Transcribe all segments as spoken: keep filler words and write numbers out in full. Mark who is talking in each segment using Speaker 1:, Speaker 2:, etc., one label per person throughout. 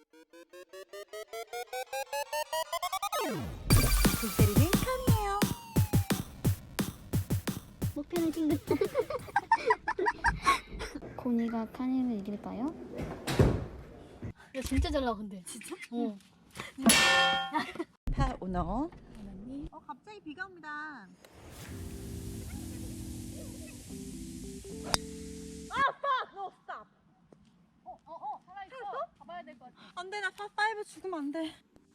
Speaker 1: 골때리는 칸이에요.
Speaker 2: 목표는 찡긋다. 고니가 칸이를 이길까요?
Speaker 3: 야 진짜 잘 나간대. 진짜? 어.
Speaker 1: 파 오너. 어 갑자기 비가 옵니다. 아 fuck no stop.
Speaker 3: 어어어 살아있어. 가봐야 될 것 같아.
Speaker 1: 안돼 나 파 파이브 죽으면 안 돼.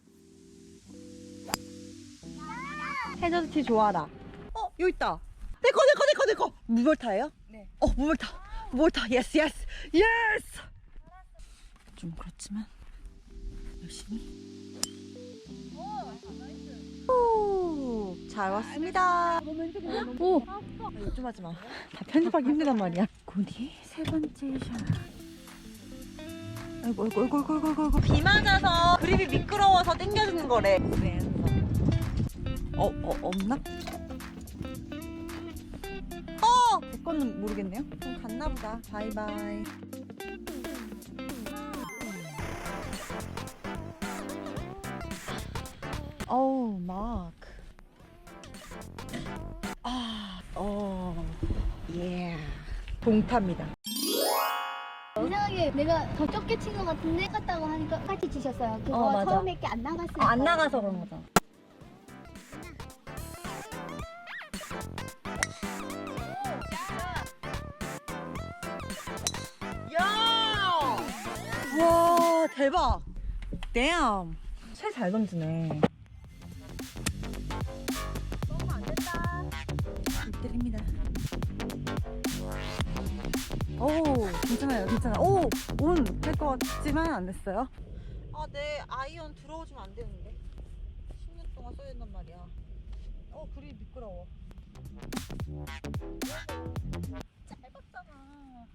Speaker 1: 해저드티 좋아라. 어 여기 있다. 내거 내거 내거 내거. 무벌타예요?
Speaker 3: 네.
Speaker 1: 어 무벌타. 무벌타 예스 예스 예스. 좀 그렇지만 열심히. 오, 잘 왔습니다.
Speaker 3: 오.
Speaker 1: 요즘 하지 마. 다 편집하기 힘들단 말이야. 고니 세 번째 샷. 아이고 아이고 아이고 아이고 아이고 아이고. 비 맞아서 그립이 미끄러워서 당겨주는 거래. 어, 어 없나? 어! 제 거는 모르겠네요. 그럼 갔나 보다. 바이바이. 어우, 마크. 아, 어, 예. 동타입니다.
Speaker 2: 이상하게 내가 더 적게 친 것 같은데 똑같다고 하니까 똑같이 치셨어요. 그거
Speaker 1: 어, 맞아.
Speaker 2: 처음에 게 안 나갔어요.
Speaker 1: 아, 안 나가서 그런 거잖아. 야! 와, 대박. 댐. 새 잘 던지네. 너무 안 됐다. 때립니다. 오, 괜찮아요, 괜찮아. 오, 온 할 것 같지만 안 됐어요. 아, 내 아이언 들어오지면 안 되는데. 십 년 동안 써야 된단 말이야. 어, 그리 미끄러워. 짧았잖아.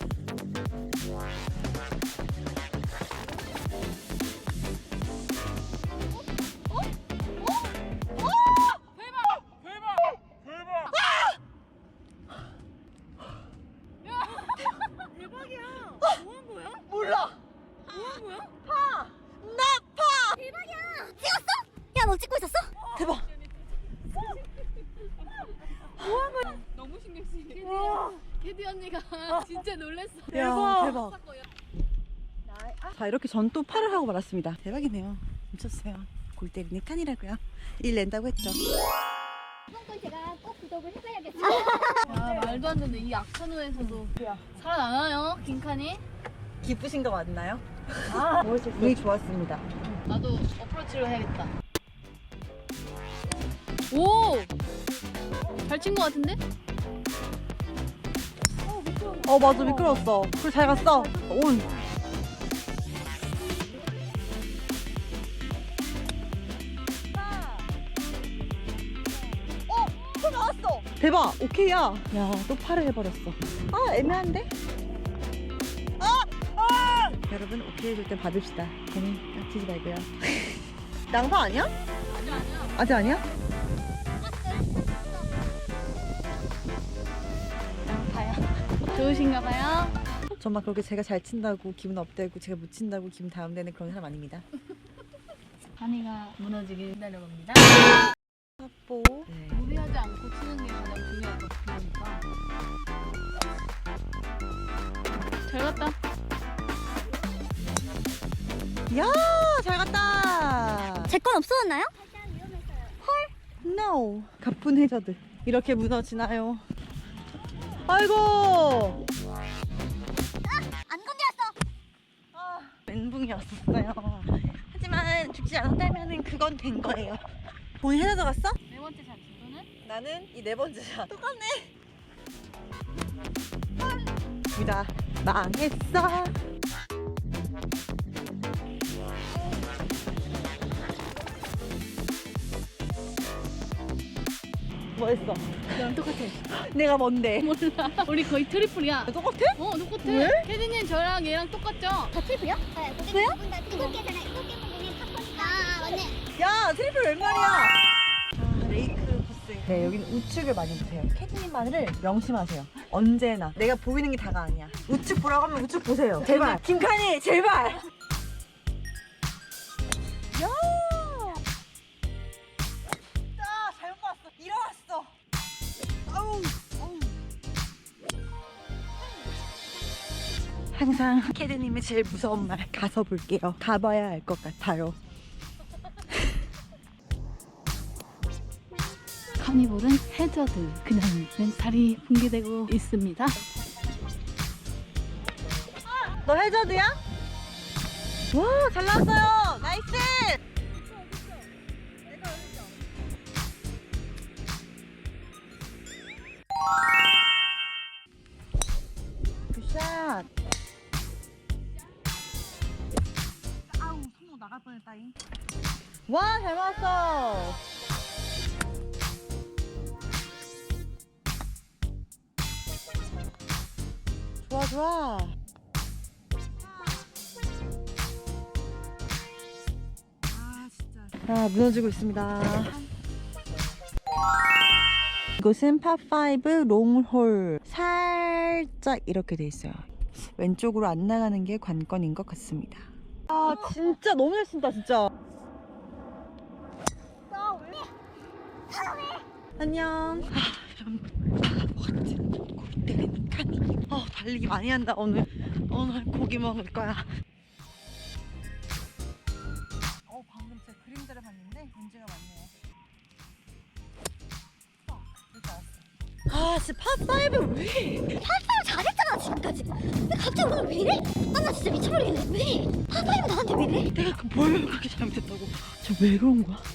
Speaker 1: 몰라.
Speaker 3: 뭐한 거야?
Speaker 1: 파! 나 파!
Speaker 2: 야, 너 찍고 있었어?
Speaker 1: 대박.
Speaker 3: 너무 신경 쓰이게.
Speaker 1: 와.
Speaker 3: 캐디 언니가 진짜 놀랬어.
Speaker 1: 야, 대박. 자, 이렇게 전 또 파를 하고 말았습니다. 대박이네요. 미쳤어요. 골 때리는 칸이라고요. 일 낸다고 했죠.
Speaker 2: 이번 건 제가 꼭 구독을 해봐야겠어요.
Speaker 3: 야 말도 안 되는데 이 악천후에서도 살아나나요 김칸이?
Speaker 1: 기쁘신 거 맞나요? 아, 운이 좋았습니다.
Speaker 3: 나도 어프로치로 해야겠다. 오! 잘 친 거 같은데?
Speaker 1: 어, 맞아. 미끄러웠어. 그래, 잘 갔어. 온. 어, 또 나왔어. 대박. 오케이야. 야, 또 팔을 해버렸어. 아, 애매한데? 아! 아! 여러분, 오케이 해줄 때 받읍시다. 괜히 깍치지 말고요. 낭파 아니야?
Speaker 3: 아니야 아니야.
Speaker 1: 아직 아니야?
Speaker 3: 양파야. 좋으신가 봐요.
Speaker 1: 정말 그렇게 제가 잘 친다고 기분 업되고 제가 못 친다고 기분 다운되는 그런 사람 아닙니다.
Speaker 3: 한이가 무너지길 기다려봅니다.
Speaker 1: 뽀. 네.
Speaker 3: 무리하지 않고 치는 게 가장 중요할 것 같으니까. 잘 갔다.
Speaker 1: 야, 잘 갔다.
Speaker 2: 제 건 없어졌나요?
Speaker 1: No. 가쁜 해저드. 이렇게 무너지나요? 아이고.
Speaker 2: 안 건드렸어.
Speaker 1: 아, 멘붕이었어요. 하지만 죽지 않았다면 그건 된 거예요. 본인 해저드 갔어?
Speaker 3: 네 번째 샷 너는?
Speaker 1: 나는 이 네 번째 샷. 똑같네. 둘다 망했어. 뭐 했어?
Speaker 3: 너랑 똑같아.
Speaker 1: 내가 뭔데?
Speaker 3: 몰라. 우리 거의 트리플이야.
Speaker 1: 똑같아?
Speaker 3: 어 똑같아.
Speaker 1: 왜?
Speaker 3: 캐디님 저랑 얘랑 똑같죠?
Speaker 2: 다 트리플이요? 네. 왜요? 일곱 개잖아. 일곱 개 부분이 탑권이다. 아, 맞네.
Speaker 1: 야, 트리플 웬 말이야? 아, 레이크 코스. 네, 여기는 우측을 많이 보세요. 캐디님만을 명심하세요. 언제나. 내가 보이는 게 다가 아니야. 우측 보라고 하면 우측 보세요. 제발. 김칸이, 제발. 항상 캐드님의 제일 무서운 말 가서 볼게요. 가봐야 알 것 같아요.
Speaker 3: 카니볼은 해저드. 그냥 멘탈이 붕괴되고 있습니다.
Speaker 1: 너 해저드야? 와, 잘 나왔어요. 나이스. 굿샷. 아우, 손목 나갈 뻔했다잉. 와, 잘 맞았어. 좋아, 좋아. 아, 진짜. 아, 무너지고 있습니다. 이곳은 팝오 롱홀. 살짝 이렇게 돼 있어요. 왼쪽으로 안 나가는 게 관건인 것 같습니다. 아, 진짜 너무 잘 친다, 진짜. 안녕. 아, 좀 바보같이 골 때리는 카니. 어, 달리기 많이 한다 오늘. 오늘 고기 먹을 거야. 어, 방금 제 그림자를 봤는데 문제가 많네요. 어, 이렇게 알았어. 아, 진짜 팝오 왜?
Speaker 2: 잘했잖아 지금까지. 근데 갑자기 오늘 왜 이래? 아 나 진짜 미쳐버리겠네. 왜? 파파이브 나한테 왜 이래?
Speaker 1: 내가 그 뭘 그렇게 잘못했다고? 저 왜 그런 거야?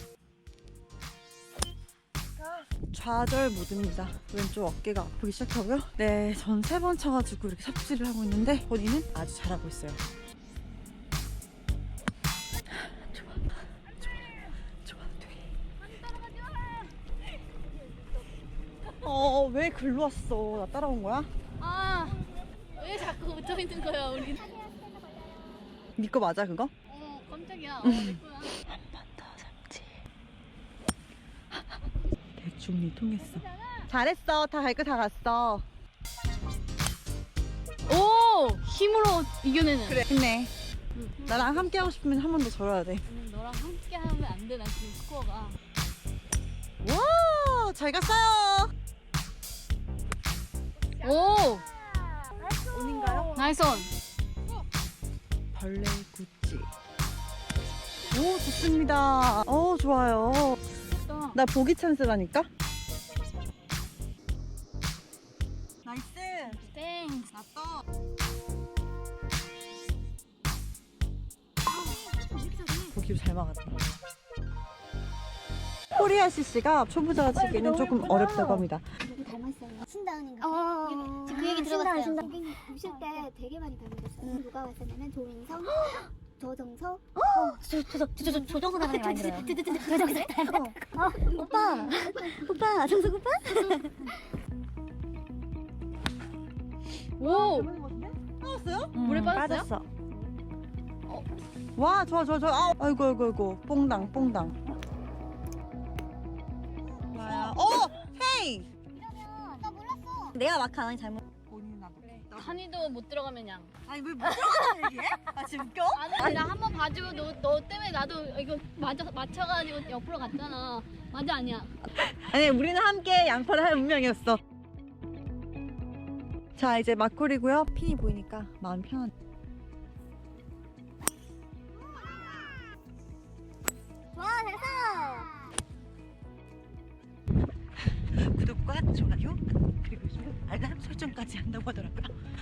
Speaker 1: 좌절 모드입니다. 왼쪽 어깨가 아프기 시작하고요. 네, 전 세 번 쳐가지고 이렇게 삽질을 하고 있는데 본인은 아주 잘하고 있어요. 좋아, 좋아, 좋아, 돼. 어, 왜 글로 왔어? 나 따라온 거야?
Speaker 3: 아, 왜 자꾸 붙어 있는 거야, 우리?
Speaker 1: 네 거 맞아, 그거?
Speaker 3: 어, 깜짝이야. 어, 내 거야.
Speaker 1: 한 번 더 삼지. 대충 니 통했어. 잘했어. 다 갈 거 다 갔어.
Speaker 3: 오! 힘으로 이겨내는.
Speaker 1: 그래. 힘내.
Speaker 3: 응.
Speaker 1: 나랑 함께 하고 싶으면 한 번 더 절어야 돼.
Speaker 3: 오늘 너랑 함께 하면 안 돼, 나 지금 스코어가.
Speaker 1: 와, 잘 갔어요.
Speaker 3: 오!
Speaker 1: 온인가요?
Speaker 3: 나이스 온.
Speaker 1: 벌레 구찌. 오, 좋습니다. 어, 좋아요.
Speaker 3: 됐다.
Speaker 1: 나 보기 찬스라니까. 나이스.
Speaker 3: 땡.
Speaker 1: 났어. 보기로 잘 막았다. 코리아 씨씨가 초보자가 치기에는 조금 어렵다고 합니다.
Speaker 2: 누구 닮았어요? 신다은인가? 어. 그 얘기 들어봤어요. 신다은, 고객님 보실 때 되게 많이 닮으셨어요. 누가 왔었냐면 조인성, 조정석. 어, 저, 저, 저, 저, 저, 조정석 나가는 많이 들어요. 조정석. 어, 오빠, 오빠, 정석 오빠.
Speaker 3: 오!
Speaker 1: 빠졌어요?
Speaker 3: 물에 빠졌어요?
Speaker 1: 빠졌어. 와, 좋아, 좋아, 좋아. 아, 아이고, 아이고, 아이고. 뽕당, 뽕당. 좋아요. 어, 헤이.
Speaker 2: 이러면 나 몰랐어.
Speaker 1: 내가 마크 안 하니 잘못. 본인 나도.
Speaker 3: 한이도 못 들어가면 양.
Speaker 1: 아니 왜 못 들어가는 얘기해? 아 지금 웃겨?
Speaker 3: 아니, 나 한 번 봐주고 너, 너 때문에 나도 이거 맞아, 맞춰가지고 옆으로 갔잖아. 맞아, 아니야?
Speaker 1: 아니 우리는 함께 양파를 할 운명이었어. 자 이제 막골이고요. 핀이 보이니까 마음 편한.
Speaker 2: 와, 잘했어.
Speaker 1: 구독과 좋아요 그리고 요즘 알람 설정까지 한다고 하더라고요.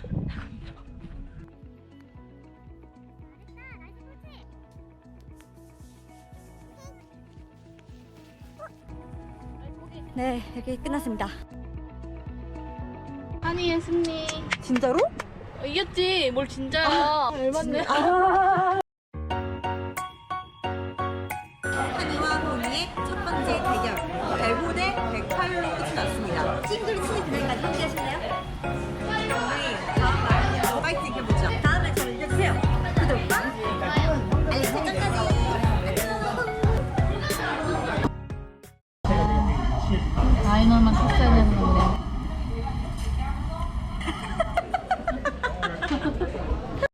Speaker 1: 네, 이렇게 끝났습니다.
Speaker 3: 한이의 승리.
Speaker 1: 진짜로?
Speaker 3: 어, 이겼지? 뭘 진짜야. 열받네.
Speaker 1: 아,